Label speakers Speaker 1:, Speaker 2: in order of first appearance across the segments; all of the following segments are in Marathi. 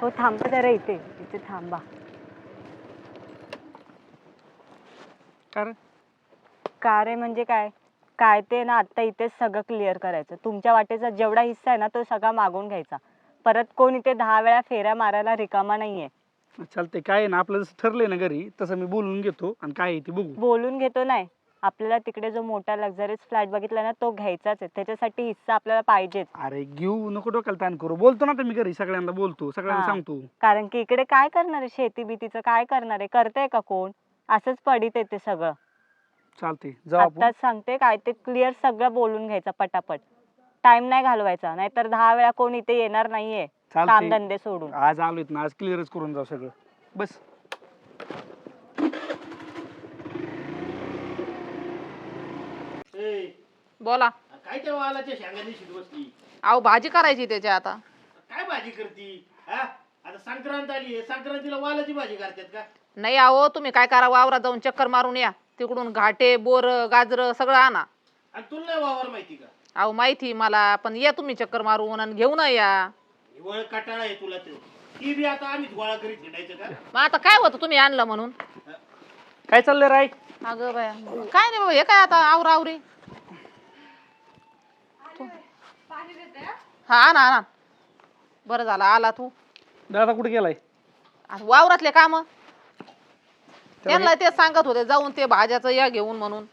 Speaker 1: हो थांबा जरा इथे इथे थांबा. का रे म्हणजे काय काय ते ना आता इथेच सगळं क्लिअर करायचं. तुमच्या वाटेचा जेवढा हिस्सा आहे ना तो सगळा मागून घ्यायचा. परत कोण इथे 10 वेळा फेऱ्या मारायला रिकामा नाहीये.
Speaker 2: चालतंय, काय आहे ना आपलं जसं ठरलंय ना घरी तसं मी बोलून घेतो आणि काय आहे ते बघू.
Speaker 1: बोलून घेतो नाही, आपल्याला तिकडे जो मोठा लक्झरीज फ्लॅट बघितला ना तो घ्यायचाच आहे. त्याच्यासाठी हिस्सा आपल्याला पाहिजेच.
Speaker 2: अरे घेऊ नको, डोक्याला ताण करू. बोलतो ना आता मी घरी सगळ्यांना, बोलतो सगळ्यांना
Speaker 1: हा.
Speaker 2: सांगतो.
Speaker 1: कारण की इकडे काय करणार आहे, शेती बीतीचं काय करणार आहे, करतंय का कोण? असंच पडित येते सगळं.
Speaker 2: चालते जाऊ आपण.
Speaker 1: आताच सांगते काय ते क्लिअर सगळं बोलून घ्यायचं पटापट. टाइम नाही घालवायचा, नाहीतर 10 वेळा कोण इथे येणार नाहीये काम
Speaker 2: चालते,
Speaker 1: धंदे सोडून.
Speaker 2: आज आलोय ना, आज क्लिअरच करून जाऊ सगळं. बस
Speaker 3: बोला.
Speaker 4: काय त्या वालाच्या शेंगाने शिट बसली?
Speaker 3: अहो भाजी करायची त्याच्या आता.
Speaker 4: काय भाजी करती? हा आता संक्रांत आली आहे, संक्रांतीला वालाची भाजी करतात का?
Speaker 3: नाही अहो तुम्ही काय करा, वावरात जाऊन चक्कर मारून या. तिकडून घाटे बोर गाजर सगळं आणा.
Speaker 4: आणि तुला नाही वावर माहिती का?
Speaker 3: अहो माहिती मला, पण या तुम्ही चक्कर मारून आणि घेऊन या.
Speaker 4: हिवाळ कटाळा आहे तुला ते. ती बी आता आम्हीच गोळा करीत हिंडायचं का?
Speaker 3: मग आता काय होतं तुम्ही आणलं म्हणून?
Speaker 2: काय चाललंय राय?
Speaker 3: अगं बाया काय नाही बाबा, हे काय आता आवरा आवरी. हा आणा आणा. बरं झालं आला तू.
Speaker 2: दादा कुठे गेलाय?
Speaker 3: आता वावरातले काम त्यांना ते सांगत होते जाऊन ते भाज्याचं या घेऊन म्हणून.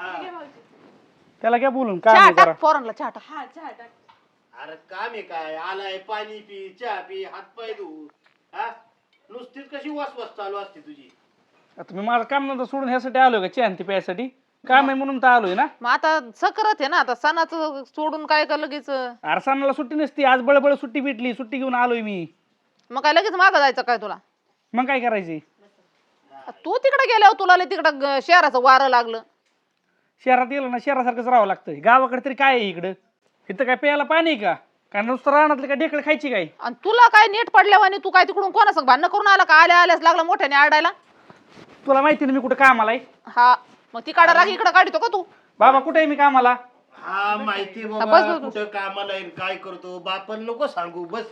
Speaker 2: त्याला काय बोलून काय
Speaker 3: चहा
Speaker 2: नाही करा.
Speaker 3: टाक पोरांना, चहा टाक.
Speaker 4: अरे काम आहे काय? आलाय पाणी पी, चहा पी, हात पाय धु. हा नुसतीच कशी वास चालू असते तुझी?
Speaker 2: आता मी माझं काम नंतर सोडून ह्यासाठी आलोय का, चहा ती प्यायसाठी? काम आहे म्हणून तर आलोय ना.
Speaker 3: मग आता सकरत आहे ना, आता सणाचं सोडून काय का लगेच.
Speaker 2: अरसानाला सुट्टी नसती, आज बळबळ सुट्टी भेटली, सुट्टी घेऊन आलोय मी.
Speaker 3: मग काय लगेच मागं जायचं काय तुला?
Speaker 2: मग काय करायचे?
Speaker 3: तू तिकडे गेल्यावर तुला लय तिकडं शहराचं वारं लागलं.
Speaker 2: शहरात गेलं ना शहरासारखंच राहावं लागतंय. गावाकडे तरी काय आहे इकडं? इथं काय प्यायला पाणी आहे का? काय नुसतं रानातले काय ढेकळ खायची काय?
Speaker 3: आणि तुला काय नीट पडल्यावानी तू काय तिकडून कोणासंग भांडणं करून आला का? आल्या आल्यास लागला मोठ्याने आरडायला.
Speaker 2: तुला माहिती ना मी कुठं कामाला आहे?
Speaker 3: हा मग तिकडं राग इकडं काढतो का तू?
Speaker 2: बाबा कुठे आहे मी कामाला?
Speaker 4: हा माहिती
Speaker 3: बस,
Speaker 4: बाबा
Speaker 3: बस, बस.
Speaker 4: कुठं कामाला आहे, काय करतो बापन नको सांगू. बस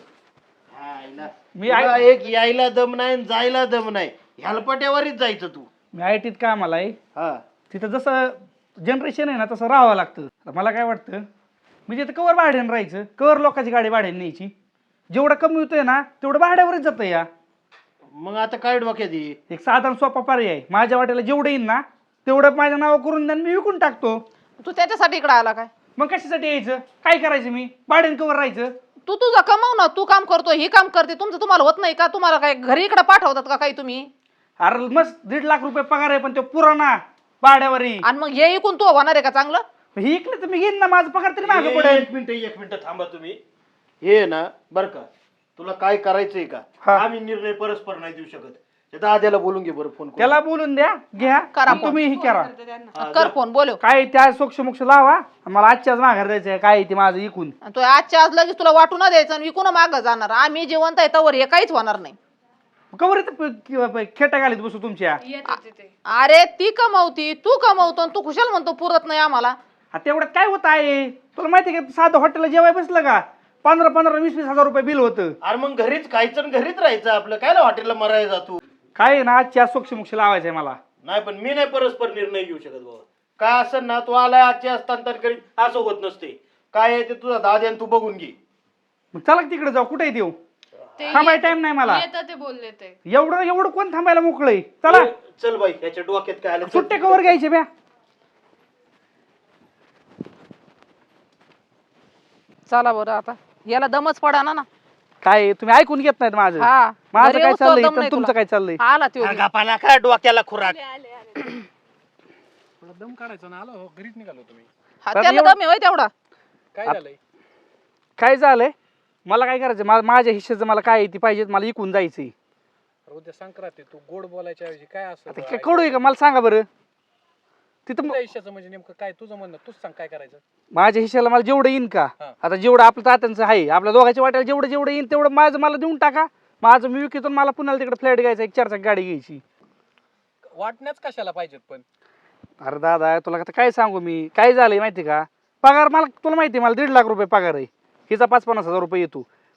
Speaker 2: मी
Speaker 4: तुला एक यायला दम नाही आणि जायला दम नाही. ह्यालपट्यावरच जायचं तू.
Speaker 2: मी आयटीत कामाला आहे.
Speaker 4: हा
Speaker 2: तिथं जसं जनरेशन आहे ना तसं राहावं लागतं. आता मला काय वाटतं, मी तिथं कवर भाड्यानं राहायचं, कवर लोकांची गाडी भाड्याने न्यायची. जेवढं कमी होतंय ना तेवढं भाड्यावरच जातं. या
Speaker 4: मग आता काय डोक्यात आहे?
Speaker 2: एक साधारण सोपा पर्याय, माझ्या वाट्याला जेवढं येईल ना तेवढं माझ्या नाव करून द्या, मी विकून टाकतो.
Speaker 3: तू त्याच्यासाठी इकडं आला काय?
Speaker 2: मग कशासाठी यायचं? काय करायचं? मी भाड्यानं कवर राहायचं?
Speaker 3: तू तुझं कमाव ना, तू काम करतो ही काम करते, तुमचं तुम्हाला होत नाही का? तुम्हाला काय घरी इकडे पाठवतात का काही तुम्ही?
Speaker 2: अरे मस्त 1.5 लाख रुपये पगार आहे, पण तो पुराणा भाड्यावर आहे.
Speaker 3: आणि मग हे ऐकून तू होणार आहे का चांगलं?
Speaker 2: हे इकडे तर मी घेईन ना, माझा पगार तरी मागे पडेल.
Speaker 4: एक मिनिट थांबा तुम्ही. हे ना बर का, तुला काय करायचंय का?
Speaker 2: हा.
Speaker 4: आम्ही निर्णय परस्पर नाही देऊ शकत. त्या दाद्याला बोलून घे बरं फोन करून.
Speaker 2: त्याला बोलून द्या, घ्या
Speaker 3: करा
Speaker 2: आणि तुम्ही हे करा.
Speaker 3: कर फोन बोलव.
Speaker 2: काय त्या सोक्ष लावा, मला आजच्याच माघार द्यायचंय. काय ते माझं इकून
Speaker 3: आणि तो आजच्या आज लगेच तुला वाटू न द्यायचं आणि विकून मागं जाणार. आम्ही जिवंत आहे तवर हे काहीच होणार नाही.
Speaker 2: कवर खेटा घालीत बसू तुमच्या.
Speaker 3: अरे ती कमवती, तू कमवतो आणि तू खुशाल म्हणतो पुरत नाही आम्हाला.
Speaker 2: तेवढ्यात काय होत आहे? तुला माहिती आहे का, साधं हॉटेलला जेवाय बसलं का 15-15, 20-20 हजार रुपये बिल होतं.
Speaker 4: अरे मग घरीच खायचं आणि घरीच राहायचं आपलं. काय ना हॉटेलला मरायला जातो?
Speaker 2: काय आहे ना, आजच्या सोक्ष लावायचंय मला.
Speaker 4: नाही पण मी नाही परस्पर निर्णय घेऊ शकत बाबा. काय असं ना, तू आलाय आजचे हस्तांतर करीत असं होत नसते. काय आहे ते तुझा दाद्या तू बघून घे.
Speaker 2: मग चला तिकडे जाऊ. कुठे देऊ? थांबाय टाइम नाही मला.
Speaker 5: ते बोलले ते
Speaker 2: एवढं कोण थांबायला मोकळय? चला
Speaker 4: चल बाई, याच्या डोक्यात काय आलं?
Speaker 2: सुट्टे कवर घ्यायचे ब्या.
Speaker 3: चला बरं आता याला दमच पडा ना.
Speaker 2: काय तुम्ही ऐकून घेत नाहीत माझं?
Speaker 3: हा
Speaker 2: माझं
Speaker 3: घरी
Speaker 2: काय
Speaker 3: येऊस तर
Speaker 2: चाललंय
Speaker 3: दम
Speaker 2: तर
Speaker 3: नाही
Speaker 2: तुमचं
Speaker 3: तुला.
Speaker 2: काय चाललंय?
Speaker 3: आला त्यो बी.
Speaker 4: गपाला काय डोक्याला खुराक?
Speaker 6: दम काढायचा ना, आलो घरीच निघालो तुम्ही.
Speaker 3: हा, त्याला दम आहे होय तेवढा.
Speaker 6: काय झालंय?
Speaker 2: काय झालंय? मला काय करायचं? माझ्या हिश्श्याचं मला काय ती पाहिजे, मला इकून जायचंय.
Speaker 6: उद्या संक्रांत आहे, तू गोड बोलायच्या ऐवजी काय असं
Speaker 2: आता काय कडू आहे का मला सांगा बरं. तिथं
Speaker 6: तुझ्या आयुष्याचं म्हणजे नेमकं काय तुझं म्हणणं? तूच सांग काय करायचं.
Speaker 2: माझ्या हिश्श्याला मला जेवढं येईन का,
Speaker 6: हा.
Speaker 2: आता जेवढं आपलं तात्यांचं आहे, आपल्या दोघांच्या वाट्याला जेवढं येईन तेवढं माझं मला देऊन टाका. माझं मी विकतो, मला पुन्हा तिकडे फ्लॅट घ्यायचा, एक 4 गाडी घ्यायची.
Speaker 6: वाटण्याच कशाला पाहिजेत पण?
Speaker 2: अरे दादा तुला आता काय सांगू मी, काय झालंय माहिती का, पगार मला तुला माहिती आहे, मला 1.5 लाख रुपये पगार आहे. हिचा 50-50 हजार रुपये येतो.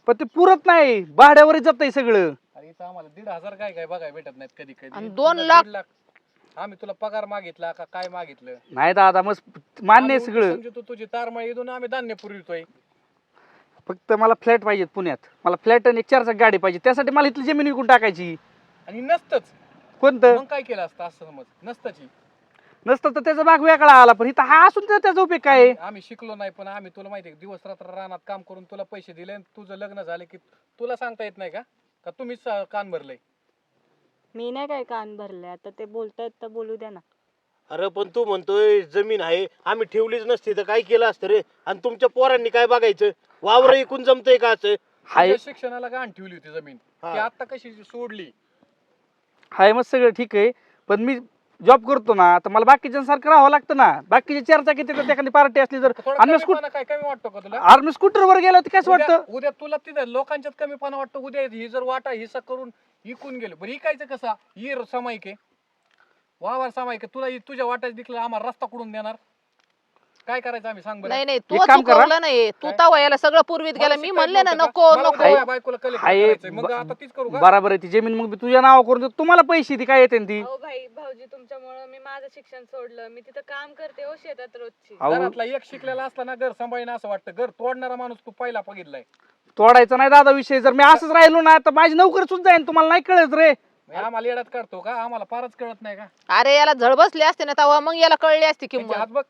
Speaker 2: पण ते पुरत नाही, भाड्यावरच जातंय सगळं.
Speaker 6: अरे इथं आम्हाला 1,500 काय काय बघाय भेटत नाहीत कधी कधी.
Speaker 3: आणि
Speaker 6: तुला
Speaker 3: 2 लाख?
Speaker 6: 1,50,000 आम्ही तुला पगार मागितला का काय मागितलं?
Speaker 2: नाही दादा मग मान्य आहे
Speaker 6: आम्ही
Speaker 2: सगळं,
Speaker 6: समजू तू तुझी तारमाळी इथून आम्ही धान्य पुरवितोय.
Speaker 2: फक्त मला फ्लॅट पाहिजेत पुण्यात. मला फ्लॅट आणि एक 4 चाक गाडी पाहिजे, त्यासाठी मला इथली जमीन विकून टाकायची.
Speaker 6: आणि नसतंच
Speaker 2: कोणतं
Speaker 6: मग काय केलं असतं असं समज, नसतंची.
Speaker 2: नसतं तर त्याचा भाग वेगळा आला, पण इथं हा असून तर त्याचा उपयोग काय आहे?
Speaker 6: आम्ही शिकलो नाही पण आम्ही तुला माहिती आहे दिवस रात्र रानात काम करून तुला पैसे दिले आणि तुझं लग्न झालं की तुला सांगता येत नाही का का तुम्हीच कान भरलंय?
Speaker 1: मी नाही काय कान भरले, आता ते बोलतायत तर बोलू द्या ना.
Speaker 4: अरे पण तू म्हणतोय जमीन आहे, आम्ही ठेवलीच नसती तर काय केलं असतं रे? आणि तुमच्या पोरांनी काय बघायचं? वावर ऐकून जमतंय का असं?
Speaker 2: हाय
Speaker 6: तुझ्या शिक्षणाला गाण ठेवली होती जमीन,
Speaker 4: हा.
Speaker 6: ती आता कशी सोडली?
Speaker 2: हाय मग सगळं ठीक आहे, पण मी जॉब करतो ना, तर मला बाकीच्यांसारखं राहावं लागतं ना. बाकीचे 4 चाकी तिथं एखादी पार्टी असली तर
Speaker 6: थोडा
Speaker 2: अन्य
Speaker 6: कमीपणा काय कमी वाटतो का तुला?
Speaker 2: आर्मी स्कूटरवर गेलो तर कसं
Speaker 6: उद्या
Speaker 2: वाटतं?
Speaker 6: उद्या तुला तिथं लोकांच्यात कमीपणा वाटतो. उद्या ही जर वाटा हिस्सा करून इकून गेलो, बरं इकायचं कसा? ही सामायिक आहे, वावर सामायिक आहे. तुला तुझ्या वाट्यात दिसलं आम्हाला रस्ता कुठून देणार? काय करायचं आम्ही सांग बरं?
Speaker 3: नाही नाही, तू
Speaker 2: एक काम करा.
Speaker 3: चुकवलं नाही, तू
Speaker 6: काय?
Speaker 3: तवा याला सगळं पूर्वीत
Speaker 6: मला
Speaker 3: गेलं. मी
Speaker 6: शिकायचं
Speaker 3: म्हणले ना
Speaker 6: नव्हतं का?
Speaker 3: नको
Speaker 6: मला
Speaker 3: नको.
Speaker 6: उद्या माझ्या बायकोला कलेक्टर
Speaker 2: हाय
Speaker 6: करायचंय. मग आता तीच करू का?
Speaker 2: बरोबर आहे, ती जमीन मग मी तुझ्या नाव करून देतो, तुम्हाला पैसे ती काय येते ती?
Speaker 5: अहो भाई भाऊजी, तुमच्यामुळं मी माझं शिक्षण सोडलं. मी तिथं काम करते हो शेतात रोजची.
Speaker 2: अहो,
Speaker 6: घरातला एक शिकलेला असला ना घर सांभाळणं असं वाटतं. घर तोडणारा माणूस तू पहिला बघितलाय.
Speaker 2: तोडायचा नाही दादा विषय. जर मी असंच राहिलो ना तर माझी नोकरी सुद्धा जाईन, तुम्हाला नाही कळत रे.
Speaker 6: मग आम्हाला येड्यात काढतो का? आम्हाला फारच कळत नाही का?
Speaker 3: अरे याला झळ बसली असते ना तेव्हा मग याला कळली असती
Speaker 6: त्यांचे
Speaker 3: किंमत.
Speaker 6: हात बघ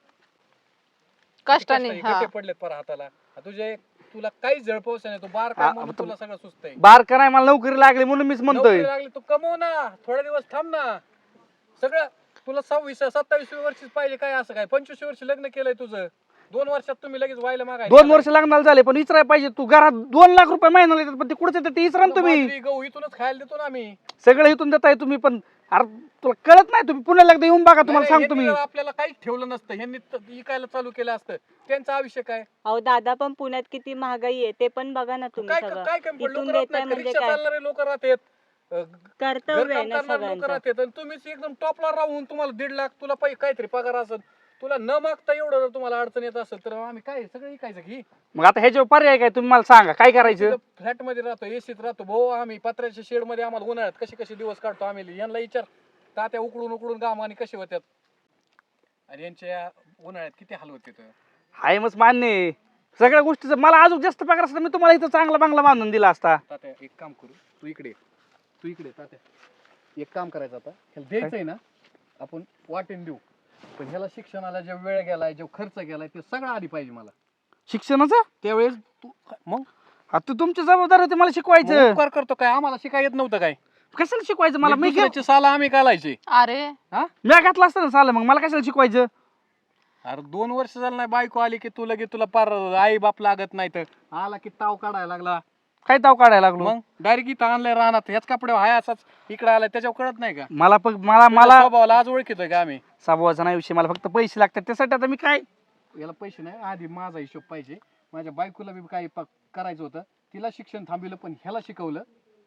Speaker 3: कष्टाने
Speaker 6: कष्ट
Speaker 3: हा.
Speaker 6: गट्टे पडलेत पर हाताला. तुझे तुला काहीच झळपवस नाही. तू बार काय म्हणून तुला सगळं सुचतंय.
Speaker 2: बार कराय मला नोकरी लागली म्हणून मीच म्हणतोय.
Speaker 6: नोकरी लागली तू कमव ना, थोडे दिवस थांब ना. सगळं तुला 26-27 वर्षीच पाहिजे काय? असं काय 25 वर्ष लग्न केलंय तुझं? 2 वर्षात तुम्ही लगेच व्हायला मागाय
Speaker 2: 2 वर्ष लग्नाला झाले, पण विचाराय पाहिजे तू घरात 2 लाख रुपये महिन्याला येतात, पण ते कुठे येतात ते विचारा ना तुम्ही.
Speaker 6: गहू इथूनच खायला देतो ना आम्ही.
Speaker 2: सगळं इथून देताय तुम्ही, पण अरे तुला कळत नाही. तुम्ही पुण्याला एकदा येऊन बघा, तुम्हाला
Speaker 6: नाही,
Speaker 2: सांगतो मी.
Speaker 6: ह्यांनी आपल्याला काहीच ठेवलं नसतं. ह्यांनी इकायला चालू केलं असतं. त्यांचं आयुष्य काय?
Speaker 1: अहो दादा, पण पुण्यात किती महागाई आहे ते पण बघा ना तुम्ही.
Speaker 6: काय
Speaker 1: सगळं
Speaker 6: काय कमी पडलं?
Speaker 1: इथून
Speaker 6: लोकं राहत
Speaker 1: देताय
Speaker 6: नाहीत.
Speaker 1: म्हणजे
Speaker 6: रिक्षा
Speaker 1: काय?
Speaker 6: चालणारे लोक राहतात,
Speaker 1: कर्तव्य आहे ना
Speaker 6: लोक
Speaker 1: सगळ्यांचं.
Speaker 6: राहतात आणि तुम्हीच एकदम टॉपला राहून तुम्हाला 1.5 लाख तुला काहीतरी पगार असेल. तुला न मागता एवढं जर तुम्हाला अडचण येत असेल तर आम्ही काय सगळं इकायचं की?
Speaker 2: मग आता ह्याच्यावर पर्याय काय तुम्ही मला सांगा, काय करायचं?
Speaker 6: फ्लॅट मध्ये राहतो, एसीत राहतो भाऊ आम्ही. पत्र्याच्या शेड मध्ये आम्हाला उन्हाळ्यात कसे कसे दिवस काढतो आम्ही. यांना विचार तात्या उकडून उकडून गामाने कसे होत्यात आणि यांच्या उन्हाळ्यात किती हाल होते.
Speaker 2: हाय मग मान्य आहे. सगळ्या गोष्टीचं मला अजून जास्त पगार असता मी तुम्हाला इथं चांगला बंगला बांधून दिला असता.
Speaker 6: तात्या एक काम करू, तू इकडे तात्या एक काम करायचं आता. ह्याला द्यायचंय ना आपण वाटेन देऊ, पण ह्याला शिक्षणाला जो वेळ गेलाय जो खर्च गेलाय ते सगळं आधी पाहिजे मला.
Speaker 2: शिक्षणाचं
Speaker 6: त्यावेळेस तू मग
Speaker 2: आता तुमची जबाबदारी होती मला शिकवायचं.
Speaker 6: उपकार करतो काय? आम्हाला शिकाय येत नव्हतं काय?
Speaker 2: कशाला शिकवायचं मला? मी
Speaker 6: दुसऱ्याची साला आम्ही घालायचे.
Speaker 3: अरे
Speaker 2: मी घातला असतं ना साला, मग मला कशाला शिकवायचं?
Speaker 6: अरे 2 वर्ष झालं नाही बायको आली की तुला तुला पार आई बाप लागत नाही तर आला की ताव काढायला लागला.
Speaker 2: काय ताव काढायला लागलो?
Speaker 6: मग डायरेक्ट इथं आणलंय रानात, ह्याच कपड्यावर हाय असाच इकडे आलाय. त्याच्यावर कळत नाही का
Speaker 2: मला मला
Speaker 6: तुझ्या स्वभावाला आज ओळखीतोय का आम्ही?
Speaker 2: स्वभावाचा नाही विषय, मला फक्त पैसे लागतात त्यासाठी. आता मी काय
Speaker 6: याला पैसे नाही, आधी माझा हिशोब पाहिजे. माझ्या बायकोला बी काही करायचं होतं, तिला शिक्षण थांबविलं पण ह्याला शिकवलं.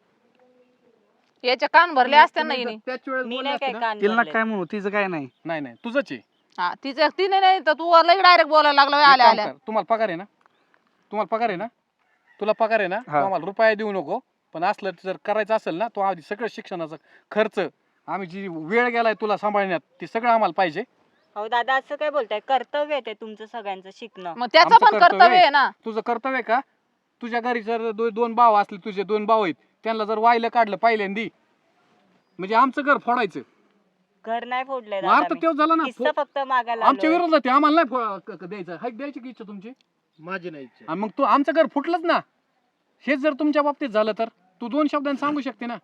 Speaker 3: याच्या कान भरले असते ना
Speaker 6: तुम्ही
Speaker 3: हिने.
Speaker 6: जर त्याच वेळेस
Speaker 1: मी
Speaker 6: बोलले
Speaker 1: नाही काय
Speaker 6: असते ना,
Speaker 1: कान
Speaker 2: तिला
Speaker 1: भरले.
Speaker 2: काय म्हणू, तिचं काय नाही.
Speaker 6: नाही तुझंच आहे.
Speaker 3: हा तिने नाही तर तू लई डायरेक्ट बोलायला लागला
Speaker 6: एक
Speaker 3: आल्या
Speaker 6: काम
Speaker 3: आल्या.
Speaker 6: कर, तुम्हाला पगार आहे ना? तुला पगार आहे ना? तू
Speaker 2: हा.
Speaker 6: आम्हाला रुपया देऊ नको, पण असलं जर करायचं असेल ना तो आधी सगळं शिक्षणाचा खर्च आम्ही जी वेळ गेलाय तुला सांभाळण्यात ते सगळं आम्हाला पाहिजे.
Speaker 1: अहो दादा, असं काय बोलताय? कर्तव्य आहे ते तुमचं सगळ्यांचं शिकणं.
Speaker 3: मग त्याचं
Speaker 6: आमचं
Speaker 3: पण कर्तव्य आहे ना.
Speaker 6: तुझं कर्तव्य आहे का? तुझ्या घरी जर 2 भाव असले, तुझे 2 भाव आहेत, त्यांना जर वाहिलं काढलं पहिल्यांदी म्हणजे आमचं घर फोडायचं.
Speaker 1: घर नाही फोडलंय
Speaker 6: मग अर्थ
Speaker 1: दादा मी.
Speaker 6: तेच झाला ना.
Speaker 1: किस्सा फक्त मागायला
Speaker 6: आमच्या
Speaker 1: आलोय.
Speaker 6: विरोधात आहे, आम्हाला नाही द्यायचं. हाईक द्यायची की इच्छा तुमची?
Speaker 4: माझी नाही इच्छा.
Speaker 6: आणि मग तू आमचं घर फुटलंच ना. हेच जर तुमच्या बाबतीत झालं तर तू 2 शब्दांनी सांगू शकते ना.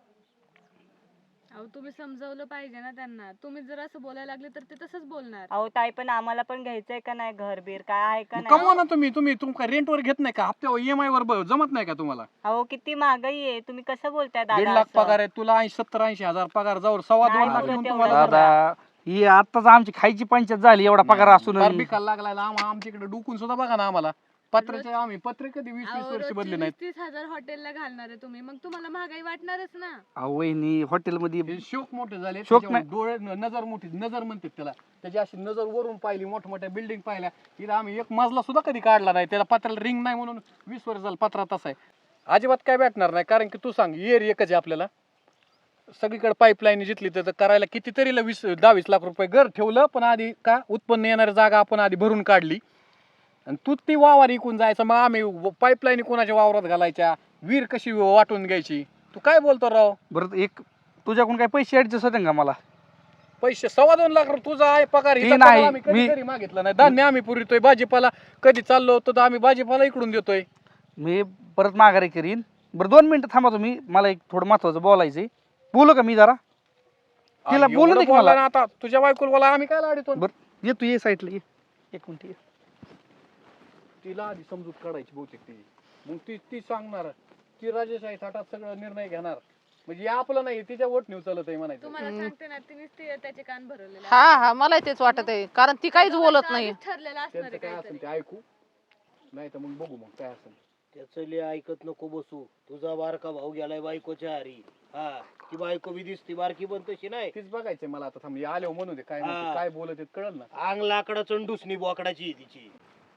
Speaker 5: अहो तुम्ही समजावलं पाहिजे ना त्यांना. तुम्ही जर असं बोलायला लागले तर ते तसंच बोलणार.
Speaker 1: अहो ताई, पण आम्हाला पण घ्यायचंय का नाही घर बीर? काय आहे का
Speaker 6: मग कमवा
Speaker 1: नाही?
Speaker 6: ना तुम्ही तुमका रेंटवर घेत नाही का? हप्त्यावर EMI वर जमत नाही का तुम्हाला?
Speaker 1: अहो किती महागाई आहे, तुम्ही कसं बोलताय
Speaker 6: 1.5
Speaker 1: दादा
Speaker 6: लाख
Speaker 1: असं?
Speaker 6: पगार आहे तुला, 70-80 हजार पगार, जाऊर 2.25
Speaker 1: नाही
Speaker 6: लाख
Speaker 1: बघत
Speaker 6: घेऊन
Speaker 1: तेवढं.
Speaker 6: तुम्हाला
Speaker 2: दादा ही आताच आमची खायची पंचायत झाली, एवढा पगार असून.
Speaker 6: फार बिकायला लागलाय ना. आमच्या इकडे डुकून सुद्धा बघा ना आम्हाला. पत्र्याचे आम्ही पत्रे कधी 20-20 वर्ष बदले नाहीत.
Speaker 5: 30,000 हॉटेलला घालणार आहे तुम्ही, मग तुम्हाला महागाई वाटणारच ना.
Speaker 2: अहो वहिनी हॉटेलमध्ये
Speaker 6: हे शोक मोठे झाले.
Speaker 2: शोक
Speaker 6: त्याच्यावर डोळे नजर मोठी, नजर म्हणतात त्याला. त्याची अशी नजर वरून पाहिली, मोठमोठ्या बिल्डिंग पाहिल्या. इथं आम्ही एक मजला सुद्धा कधी काढला नाही. त्याला पत्र्याला रिंग नाही म्हणून 20 वर्ष झालं पत्रा तसा आहे. अजिबात काय भेटणार नाही, कारण की तू सांग येर एकच आहे आपल्याला, सगळीकडे पाईपलाईन जिथली तर करायला कितीतरी 10-20 लाख रुपये घर ठेवलं, पण आधी का उत्पन्न येणारी जागा आपण आधी भरून काढली आणि तू ती वावर इकून जायचं, मग आम्ही पाईपलाईन कोणाच्या वावरात घालायच्या, विहीर कशी वाटून घ्यायची. तू काय बोलतो राव?
Speaker 2: बरं एक तुझ्याकडून काय पैसे ऍडजस्ट होते का मला?
Speaker 6: पैसे 2.25 लाख रुपये तुझा आहे पगार,
Speaker 2: ती
Speaker 6: हिचा
Speaker 2: नाही,
Speaker 6: पगार आम्ही कधी
Speaker 2: मी-
Speaker 6: घरी मागितलं नाही. धान्य आम्ही पुरवतोय, भाजीपाला कधी चाललो होतो तर आम्ही भाजीपाला इकडून देतोय.
Speaker 2: मी परत माघारी करीन. बरं 2 मिनिटं थांबा तुम्ही, मला एक थोडं महत्वाचं बोलायचंय. बोलू का मी जरा? तिला बोलू दे की
Speaker 6: बोलला
Speaker 2: मला.
Speaker 6: ना आता तुझ्या बायकोला बोला, आम्ही काय लाडितो.
Speaker 2: बरं ये तू ये साईडला ये, 1 मिनिट ये.
Speaker 6: तिला आधी समजूत काढायची बहुतेक ती, मग ती सांगणार, ती राजेशाही थाटात सगळं निर्णय घेणार, म्हणजे हे आपलं नाही तिच्या वोट नेऊ चालत आहे म्हणायचं.
Speaker 5: तुम्हाला सांगते ना तिनेच त्याचे कान भरवलेले
Speaker 3: हा मला तेच वाटत आहे, कारण ती काहीच बोलत नाही.
Speaker 5: ठरलेलं असणार
Speaker 6: त्यांचं
Speaker 5: आहे
Speaker 6: काय
Speaker 5: काहीतरी.
Speaker 6: असेल ते ऐकू, नाही तर मग बघू मग काय असेल.
Speaker 4: त्याचं लय ऐकत नको बसू. तुझा बारका भाऊ गेलाय बायकोच्या हारी. हा ती बायको बी दिसती बारकी पण तशी नाही.
Speaker 6: तीच बघायचंय मला आता. थांब आले म्हणू दे काय म्हणते,
Speaker 4: हा.
Speaker 6: काय बोलत आहेत कळल ना.
Speaker 4: अंग लाकडाचं डुसणी बोकडाची आहे तिची.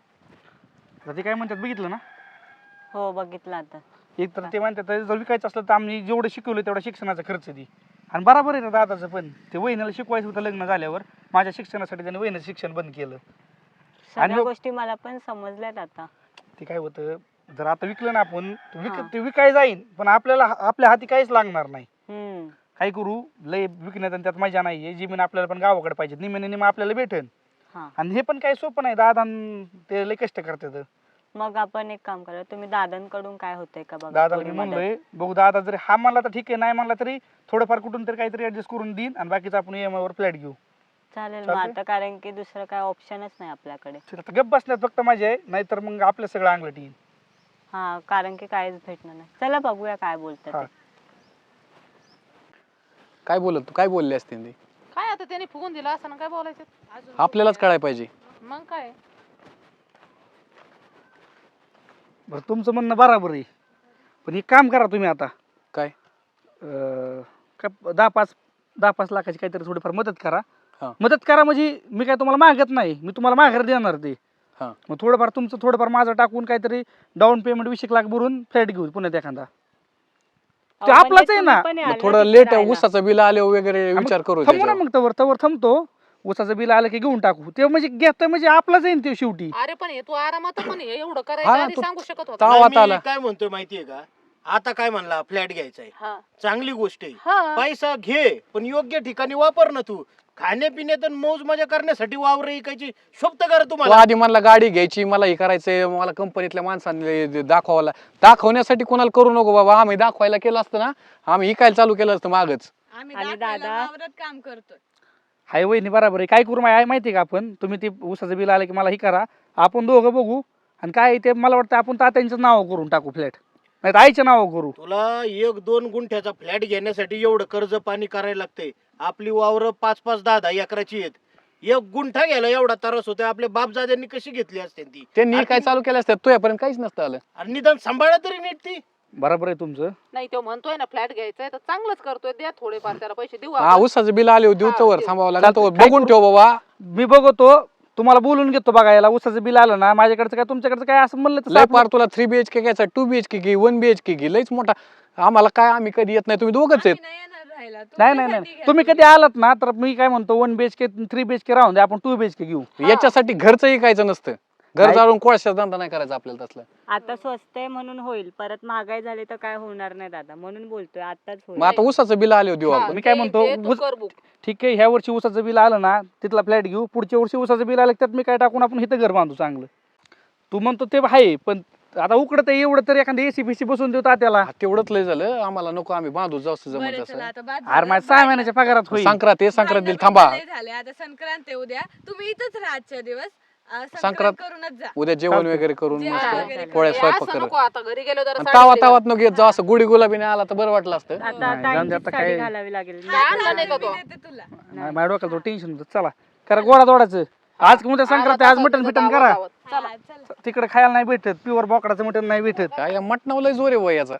Speaker 2: तर ते काय म्हणतात बघितलं ना?
Speaker 1: हो बघितलं आता.
Speaker 2: एक तर ते म्हणतात जर विकायचं असलं तर आम्ही जेवढं शिकवलं तेवढा शिक्षणाचा खर्च दे. आणि बरोबर आहे ना दादाचं पण, ते वहिनीला शिकवायचं होतं लग्न झाल्यावर, माझ्या शिक्षणासाठी त्याने वहिनीचं शिक्षण बंद केलं.
Speaker 1: सगळ्या
Speaker 2: आणि-
Speaker 1: गोष्टी मला पण समजल्यात आता.
Speaker 2: ते काय होतं, जर आता विकलं ना आपण ते विकाय जाईन, पण आपल्याला आपल्या हाती काहीच लागणार नाही.
Speaker 1: हम्म.
Speaker 2: काय करू, लय विकण्यात आणि त्यात मजा नाहीये. जमीन आपल्याला पण गावाकडे पाहिजे, निम्याने निम आपल्याला भेटेल.
Speaker 1: हा
Speaker 2: आणि हे पण काही सोपं नाही, दादा अन ते लय कष्ट करतात.
Speaker 1: मग आपण एक काम करा, तुम्ही दादांकडून काय होतंय का बघा.
Speaker 2: दादाला
Speaker 1: थोडी
Speaker 2: मी
Speaker 1: मदत.
Speaker 2: म्हणलोय बघू, दादा जरी हा म्हणला तर ठीक आहे, नाही म्हणला तरी थोडंफार कुठून तरी काहीतरी ऍडजस्ट करून देईन आणि बाकीचं आपण EMI वर फ्लॅट घेऊ.
Speaker 1: चालेल मग
Speaker 2: चालतंय?
Speaker 1: आता, कारण की दुसरं काय ऑप्शनच नाही आपल्याकडे.
Speaker 2: ठीक आहे, आता गप्प बसण्यात फक्त मजा आहे, नाहीतर मग आपलं सगळं अंगलट येईल.
Speaker 1: हा कारण की काहीच भेटणार नाही. चला बघूया काय बोलतात
Speaker 2: हा.
Speaker 1: ते.
Speaker 6: काय बोलत तू, काय बोलले असते ती?
Speaker 3: काय आता त्याने फुगून दिलं असं ना, काय बोलायचं
Speaker 5: अजून
Speaker 6: आपल्यालाच कळायला पाहिजे.
Speaker 3: मग काय.
Speaker 2: बरं तुमचं म्हणणं बरोबर आहे, पण एक काम करा तुम्ही आता,
Speaker 6: काय
Speaker 2: काय 10-5 लाखाची काहीतरी थोडीफार मदत करा.
Speaker 6: हा.
Speaker 2: मदत करा म्हणजे मी काय तुम्हाला मागत नाही, मी तुम्हाला माघार देणार ते.
Speaker 6: हा.
Speaker 2: मग थोडंफार तुमचं थोडंफार माझं टाकून काहीतरी डाऊन पेमेंट 20 लाख भरून फ्लॅट घेऊ पुण्यात एखादा. ते
Speaker 1: अहो,
Speaker 2: आपलाच
Speaker 1: म्हणजे
Speaker 2: आहे ना.
Speaker 1: तुम्ही पण
Speaker 6: मग
Speaker 1: याल
Speaker 6: थोडं
Speaker 1: तिथे
Speaker 6: लेट
Speaker 1: राहायला.
Speaker 6: उसाचं बिल आले वगैरे
Speaker 2: मग
Speaker 6: विचार करू
Speaker 2: थांबू ना,
Speaker 6: त्याच्यावर.
Speaker 2: मग तवर थांबतो. उसाचं बिल आलं की घेऊन टाकू. ते म्हणजे घेतोय म्हणजे आपलाच आहे ना ते शेवटी.
Speaker 3: अरे पण हे तू आरामात पण हे एवढं
Speaker 6: हा
Speaker 3: करायचं
Speaker 6: ना,
Speaker 3: आधी
Speaker 6: तू-
Speaker 3: सांगू शकत होता.
Speaker 6: ताव
Speaker 4: नाही,
Speaker 6: आता
Speaker 4: मी
Speaker 6: आला.
Speaker 4: काय म्हणतोय माहितीये का, आता काय म्हणला फ्लॅट घ्यायचा आहे,
Speaker 3: हा.
Speaker 4: चांगली गोष्ट आहे.
Speaker 3: हा.
Speaker 4: पैसा घे पण योग्य ठिकाणी वापर ना. तू खाण्यापिण्यात आणि मौज मजा करण्यासाठी वावर ऐकायची शोभत करा
Speaker 6: तू
Speaker 4: तुम्हाला.
Speaker 6: आधी मला गाडी घ्यायची, मला हे करायचंय, मला कंपनीतल्या माणसांनी दाखवण्यासाठी कोणाला करू नको बाबा. आम्ही दाखवायला केलं असतं ना, आम्ही इकायला चालू केलं असतं मागच.
Speaker 5: आम्ही
Speaker 1: आणि
Speaker 5: दाखवायला
Speaker 1: दादा-
Speaker 5: वावरात काम करतोय.
Speaker 2: हाय वहिनी बरोबर आहे. काय करू माहिती आहे का आपण, तुम्ही ते उसाचं बिल आलं की मला हे करा, आपण दोघं बघू आणि काय ते मला वाटतं आपण तात्यांचं नाव करून टाकू फ्लॅट, नाही तर आईचं नाव करू.
Speaker 4: तुला 1-2 गुंठ्याचा फ्लॅट घेण्यासाठी एवढं कर्ज पाणी करायला लागतंय. आपली वावर 5-5, 10-10 एकराची आहेत. 1 गुंठा घ्यायला एवढा त्रास होतोय. आपल्या बापजाद्यांनी कशी घेतली असते ती.
Speaker 6: त्यांनी काय चालू केलं असतं, तुझ्यापर्यंत काहीच नसतं आलं.
Speaker 4: आणि निदान सांभाळा तरी नीट ती.
Speaker 2: बरोबर आहे तुमचं.
Speaker 3: नाही तो म्हणतोय ना फ्लॅट घ्यायचंय तर चांगलंच करतोय, द्या थोडेफार त्याला पैसे देऊ
Speaker 6: हा,
Speaker 3: आपण.
Speaker 6: उसाचं बिल आले देऊ
Speaker 3: हा,
Speaker 6: तोवर
Speaker 3: देऊ.
Speaker 6: थांबावं लागेल. तोवर
Speaker 2: काय
Speaker 6: बघून
Speaker 2: करू?
Speaker 6: ठेव बाबा.
Speaker 2: मी बघतो, तुम्हाला बोलून घेतो बघायला. उसाचं बिल आलं ना, माझ्याकडचं काय तुमच्याकडचं काय असं म्हणलं तर
Speaker 6: लय
Speaker 2: आपलं-
Speaker 6: पार तुला 3 BHK घ्यायचा, 2 BHK घे, 1 BHK घे, लयच मोठा. आम्हाला काय, आम्ही कधी येत नाही, तुम्ही दोघच आहेत.
Speaker 5: आम्ही नाही येणार राहायला.
Speaker 2: नाही
Speaker 5: तुमच्यासाठी
Speaker 2: नाही
Speaker 5: घ्या
Speaker 2: तुम्ही कधी आलात ना, तर मी काय म्हणतो 1 BHK 3 BHK राहून दे, आपण 2 BHK घेऊ.
Speaker 6: याच्यासाठी घरचं ऐकायचं नसतं. घर
Speaker 2: नाही.
Speaker 6: जाळून कोळशाचा धंदा नाही करायचा आपल्याला तसलं.
Speaker 1: आता स्वस्त आहे म्हणून होईल, परत महागाई झाली तर काय होणार नाही दादा, म्हणून बोलतोय आताच होईल.
Speaker 6: मग आता उसाचं बिल आले देऊ
Speaker 3: हा,
Speaker 6: आपण.
Speaker 2: मी काय
Speaker 3: ते-
Speaker 2: म्हणतो,
Speaker 3: ते तू
Speaker 2: उस-
Speaker 3: कर बुक.
Speaker 2: ठीक आहे, ह्या वर्षी उसाचं बिल आलं ना, तिथला फ्लॅट घेऊ. पुढच्या वर्षी उसाचं बिल आलं की त्यात मी काय टाकून आपण इथं घर बांधू चांगलं. तू म्हणतो ते आहे, पण आता उकडत आहे एवढं तर एखादं AC BC बसून देऊ तात्याला.
Speaker 6: हा, तेवढंच लय झालं आम्हाला. नको आम्ही बांधू जाऊ
Speaker 5: बरं,
Speaker 6: जमत
Speaker 5: चला
Speaker 6: असं.
Speaker 5: आता बाद
Speaker 2: अरे
Speaker 5: झालं.
Speaker 2: माझ्या 6 महिन्याच्या पगारात होईल.
Speaker 6: संक्रांत हे संक्रांत दिल
Speaker 5: भांडण
Speaker 6: थांबा.
Speaker 5: लय झाले. आता संक्रांत आहे उद्या, तुम्ही इथंच राहा आजच्या दिवस. संक्रांत
Speaker 6: संक्रांत
Speaker 5: करूनच जा.
Speaker 6: उद्या जेवण
Speaker 2: चालतंय.
Speaker 6: वगैरे करून
Speaker 5: जेवण
Speaker 6: मस्त
Speaker 5: वगैरे
Speaker 6: पोळ्या
Speaker 5: करून.
Speaker 6: स्वयंपाक
Speaker 3: असं
Speaker 6: करत.
Speaker 3: नको आता घरी गेलो जरा
Speaker 6: तावा
Speaker 3: साडी
Speaker 6: तावात नको येत जाऊ, असं गुढी गुलाबीने आला तर बरं वाटलं असतं.
Speaker 1: आता
Speaker 2: नाही, जाऊन दे
Speaker 1: ताईंचीच
Speaker 2: आता
Speaker 1: साडी
Speaker 2: काय.
Speaker 1: घालावी लागेल.
Speaker 3: काय आणलं नाही का तो?
Speaker 5: मी देते तुला.
Speaker 2: नाही, माझ्या डोक्याला टेन्शन होतं. चला करा गोडा दोडाचं. आज उद्या संक्रांत आहे, आज मटण फिटन करा.
Speaker 5: हा, चला.
Speaker 2: तिकडे खायला नाही भेटत, प्युअर बोकडाचं मटण नाही भेटत.
Speaker 6: काय या मटणावर लय जोर आहे वय याचा.